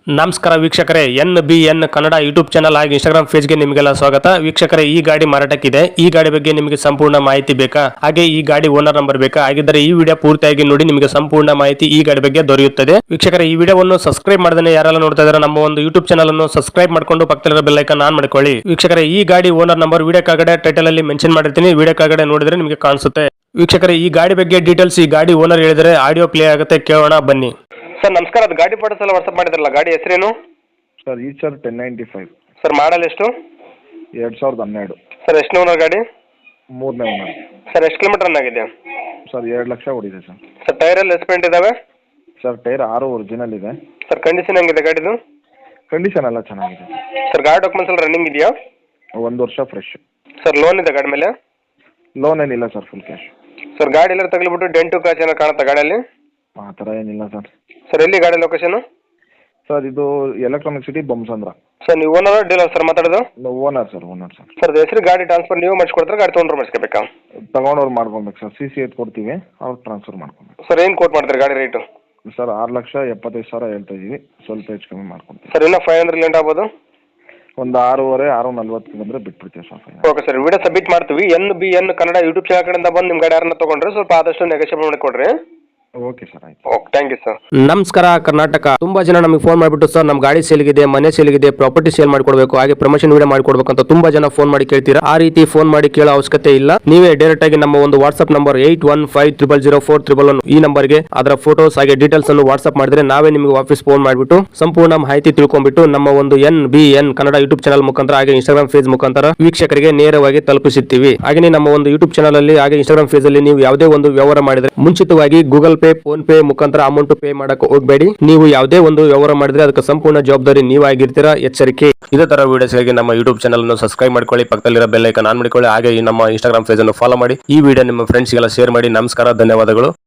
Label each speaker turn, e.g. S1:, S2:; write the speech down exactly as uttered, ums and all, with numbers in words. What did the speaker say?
S1: ನಮಸ್ಕಾರ ವೀಕ್ಷಕರೇ, N B N Kannada YouTube channel ಹಾಗೆ ಇನ್ಸ್ಟಾಗ್ರಾಮ್ ಪೇಜ್ಗೆ ನಿಮಗೆಲ್ಲ ಸ್ವಾಗತ. ವೀಕ್ಷಕರೇ, ಈ ಗಾಡಿ ಮಾರಾಟಕ್ಕಿದೆ. ಈ ಗಾಡಿ ಬಗ್ಗೆ ನಿಮಗೆ ಸಂಪೂರ್ಣ ಮಾಹಿತಿ ಬೇಕಾ, ಹಾಗೆ ಈ ಗಾಡಿ ಓನರ್ ನಂಬರ್ ಬೇಕಾ? ಹಾಗಿದ್ದರೆ ಈ ವಿಡಿಯೋ ಪೂರ್ತಿಯಾಗಿ ನೋಡಿ, ನಿಮಗೆ ಸಂಪೂರ್ಣ ಮಾಹಿತಿ ಈ ಗಾಡಿ ಬಗ್ಗೆ ದೊರೆಯುತ್ತದೆ. ವೀಕ್ಷಕರೇ, ಈ ವಿಡಿಯೋವನ್ನು ಸಬ್ಸ್ಕ್ರೈಬ್ ಮಾಡದೇ ಯಾರೆಲ್ಲ ನೋಡ್ತಾ ಇದ್ದಾರೆ ನಮ್ಮ ಒಂದು ಯೂಟ್ಯೂಬ್ ಚಾನಲ್ ಅನ್ನು ಸಬ್ಸ್ಕ್ರೈಬ್ ಮಾಡ್ಕೊಂಡು ಪಕ್ಕದಲ್ಲಿರೋ ಬೆಲ್ ಐಕಾನ್ ಆನ್ ಮಾಡ್ಕೊಳ್ಳಿ. ವೀಕ್ಷಕರೇ, ಈ ಗಾಡಿ ಓನರ್ ನಂಬರ್ ವಿಡಿಯೋ ಕೆಳಗಡೆ ಟೈಟಲ್ ಅಲ್ಲಿ ಮೆನ್ಷನ್ ಮಾಡಿರ್ತೀನಿ, ವಿಡಿಯೋ ಕೆಳಗಡೆ ನೋಡಿದ್ರೆ ನಿಮಗೆ ಕಾಣಿಸುತ್ತೆ. ವೀಕ್ಷಕರೇ, ಈ ಗಾಡಿ ಬಗ್ಗೆ ಡೀಟೇಲ್ಸ್ ಈ ಗಾಡಿ ಓನರ್ ಹೇಳಿದರೆ ಆಡಿಯೋ ಪ್ಲೇ ಆಗುತ್ತೆ, ಕೇಳೋಣ ಬನ್ನಿ. ಸರ್ ನಮಸ್ಕಾರ, ಅದು ಗಾಡಿ ಫೋಟೋಸ್ ಎಲ್ಲ ವಾಟ್ಸ್ಆಪ್ ಮಾಡಿದ್ರಲ್ಲ, ಗಾಡಿ ಹೆಸರೇನು?
S2: ಸರ್ ಈ sir ten ninety five
S1: sir model ಎಷ್ಟು?
S2: ಎರಡು ಸಾವಿರದ ಹನ್ನೆರಡು.
S1: ಸರ್ ಎಷ್ಟು ಓನರ್ ಗಾಡಿ?
S2: ಮೂರನೇ ಓನರ್.
S1: ಸರ್ ಎಷ್ಟು ಕಿಲೋಮೀಟರ್ ರನ್ ಆಗಿದೆ?
S2: ಸರ್ ಎರಡು ಲಕ್ಷ ಹೊಡಿದೆ ಸರ್.
S1: ಸರ್ ಟೈರ್ ಎಲ್ಲ ಎಸ್ಪೆಂಟ್ ಇದಾವೆ?
S2: ಸರ್ ಟೈರ್ ಆರು ಒರಿಜಿನಲ್ ಇದೆ.
S1: ಸರ್ ಕಂಡೀಷನ್ ಹೆಂಗಿದೆ ಗಾಡಿದು?
S2: ಕಂಡೀಷನ್ ಎಲ್ಲ ಚೆನ್ನಾಗಿದೆ.
S1: ಸರ್ ಗಾಡಿ ಡಾಕ್ಯುಮೆಂಟ್ಸ್ ಎಲ್ಲ ರನ್ನಿಂಗ್ ಇದೆಯಾ?
S2: ಒಂದು ವರ್ಷ ಫ್ರೆಶ್.
S1: ಸರ್ ಲೋನ್ ಇದೆ ಗಾಡಿ ಮೇಲೆ?
S2: ಲೋನ್ ಏನಿಲ್ಲ ಸರ್, ಫುಲ್ ಕ್ಯಾಶ್.
S1: ಸರ್ ಗಾಡಿ ಎಲ್ಲ ತಗಲಿಬಿಟ್ಟು ಡೆಂಟು ಕ್ರಾಚ್ ಏನೋ ಕಾಣುತ್ತಾ ಗಾಡಿಯಲ್ಲಿ?
S2: ಆ ಥರ ಏನಿಲ್ಲ ಸರ್.
S1: ಸರ್ ಎಲ್ಲಿ ಗಾಡಿ ಲೊಕೇಶನ್?
S2: ಸರ್ ಇದು ಎಲೆಕ್ಟ್ರಾನಿಕ್ ಸಿಟಿ ಬೊಮ್ಮಸಂದ್ರ.
S1: ಸರ್ ನೀವು ಓನರ್ ಡೀಲರ್ ಸರ್ ಮಾತಾಡೋದು?
S2: Owner sir, owner sir.
S1: Sir ಹೆಸರು ಗಾಡಿ ಟ್ರಾನ್ಸ್ಫರ್ ನೀವು ಮಾಡಿಸ್ಕೊಡ್ತಾರೆ, ಗಾಡಿ ತೊಗೊಂಡ್ರೆ ಮಾಡಿಸ್ಕೋಬೇಕಾ?
S2: ತಗೊಂಡವ್ರು ಮಾಡ್ಕೊಬೇಕು ಸರ್. ಸಿ ಸಿ ಎತ್ ಕೊಡ್ತೀವಿ, ಅವ್ರು ಟ್ರಾನ್ಸ್ಫರ್ ಮಾಡ್ಕೊಬೇಕು.
S1: ಸರ್ ಏನು ಕೋಟ್ ಮಾಡ್ತಾರೆ ಗಾಡಿ ರೇಟು?
S2: ಸರ್ ಆರು ಲಕ್ಷ ಎಪ್ಪತ್ತೈದು ಸಾವಿರ ಹೇಳ್ತಾ ಇದ್ದೀವಿ, ಸ್ವಲ್ಪ ಹೆಚ್ಚು ಕಮ್ಮಿ ಮಾಡ್ಕೊಡ್ತೀವಿ.
S1: ಸರ್ ಇನ್ನೂ ಫೈವ್ ಹಂಡ್ರೆಡ್ ಲೇಟ್ ಆಗ್ಬೋದು?
S2: ಒಂದು ಆರೂವರೆ ಆರು ನಲ್ವತ್ತು ಬಂದರೆ ಬಿಟ್ಬಿಡ್ತೀವಿ sir.
S1: Okay sir, video submit ಮಾಡ್ತೀವಿ. N B N Kannada YouTube channel ಕಡೆಯಿಂದ ಬಂದು ನಿಮ್ಮ ಗಾಡಿ ಯಾರನ್ನ ತೊಗೊಂಡ್ರೆ ಸ್ವಲ್ಪ ಆದಷ್ಟು ನೆಗೋಷಿಯೇಟ್ ಮಾಡಿಕೊಡ್ರಿ.
S2: ಓಕೆ ಸರ್, ಆಯ್ತು.
S1: Okay, thank you sir.
S3: ನಮಸ್ಕಾರ ಕರ್ನಾಟಕ. ತುಂಬಾ ಜನ ನಮಗೆ ಫೋನ್ ಮಾಡಿಬಿಟ್ಟು ಸರ್ ನಮ್ಮ ಗಾಡಿ ಸೇಲ್ಗಿದೆ, ಮನೆ ಸೇಲ್ಗಿದೆ, ಪ್ರಾಪರ್ಟಿ ಸೇಲ್ ಮಾಡಿಕೊಡ್ಬೇಕು, ಹಾಗೆ ಪ್ರಮೋಷನ್ ವಿಡಿಯೋ ಮಾಡಿಕೊಡ್ಬೇಕು ಅಂತ ತುಂಬಾ ಜನ ಫೋನ್ ಮಾಡಿ ಕೇಳ್ತೀರಾ. ಆ ರೀತಿ ಫೋನ್ ಮಾಡಿ ಕೇಳೋ ಅವಶ್ಯಕತೆ ಇಲ್ಲ. ನೀವೇ ಡೈರೆಕ್ಟ್ ಆಗಿ ನಮ್ಮ ಒಂದು WhatsApp number eight one five triple zero four triple one ಈ ನಂಬರ್ಗೆ ಅದರ ಫೋಟೋಸ್ ಹಾಗೆ ಡೀಟೇಲ್ಸ್ ಅನ್ನು ವಾಟ್ಸ್ಆಪ್ ಮಾಡಿದ್ರೆ ನಾವೇ ನಿಮಗೆ ವಾಪಸ್ ಫೋನ್ ಮಾಡಿಬಿಟ್ಟು ಸಂಪೂರ್ಣ ಮಾಹಿತಿ ತಿಳ್ಕೊಂಡ್ಬಿಟ್ಟು ನಮ್ಮ ಒಂದು N B N Kannada YouTube channel ಮುಖಾಂತರ ಹಾಗೆ ಇನ್ಸ್ಟಾಗ್ರಾಮ್ ಪೇಜ್ ಮುಖಾಂತರ ವೀಕ್ಷಕರಿಗೆ ನೇರವಾಗಿ ತಲುಪಿಸುತ್ತೀವಿ. ಹಾಗೆ ನಮ್ಮ ಒಂದು ಯೂಟ್ಯೂಬ್ ಚಾನಲ್ ಅಲ್ಲಿ ಹಾಗೆ ಇನ್ಸ್ಟಾಗ್ರಾಮ್ ಪೇಜ್ ಅಲ್ಲಿ ನೀವು ಯಾವುದೇ ಒಂದು ವ್ಯವಹಾರ ಮಾಡಿದ್ರೆ ಮುಂಚಿತವಾಗಿ ಗೂಗಲ್ ಪೇ, ಫೋನ್ ಪೇ ಮುಖಾಂತರ ಅಮೌಂಟ್ ಪೇ ಮಾಡಕ್ಕೆ ಹೋಗಬೇಡಿ. ನೀವು ಯಾವುದೇ ಒಂದು ವ್ಯವಹಾರ ಮಾಡಿದ್ರೆ ಅದಕ್ಕೆ ಸಂಪೂರ್ಣ ಜವಾಬ್ದಾರಿ ನೀವಾಗಿರ್ತೀರಾ, ಎಚ್ಚರಿಕೆ.
S1: ಇದೇ ತರ ವಿಡಿಯೋಸ್ಗಾಗಿ ನಮ್ಮ ಯೂಟ್ಯೂಬ್ ಚಾನಲ್ ಅನ್ನು ಸಬ್ಸ್ಕ್ರೈಬ್ ಮಾಡ್ಕೊಳ್ಳಿ, ಪಕ್ಕದಲ್ಲಿರೋ ಬೆಲ್ ಐಕಾನ್ ಆನ್ ಮಾಡಿಕೊಳ್ಳಿ, ಹಾಗೆ ನಮ್ಮ ಇನ್ಸ್ಟಾಗ್ರಾಮ್ ಪೇಜ್ ಅನ್ನು ಫಾಲೋ ಮಾಡಿ. ಈ ವಿಡಿಯೋ ನಿಮ್ಮ ಫ್ರೆಂಡ್ಸ್ಗೆಲ್ಲ ಶೇರ್ ಮಾಡಿ. ನಮಸ್ಕಾರ, ಧನ್ಯವಾದಗಳು.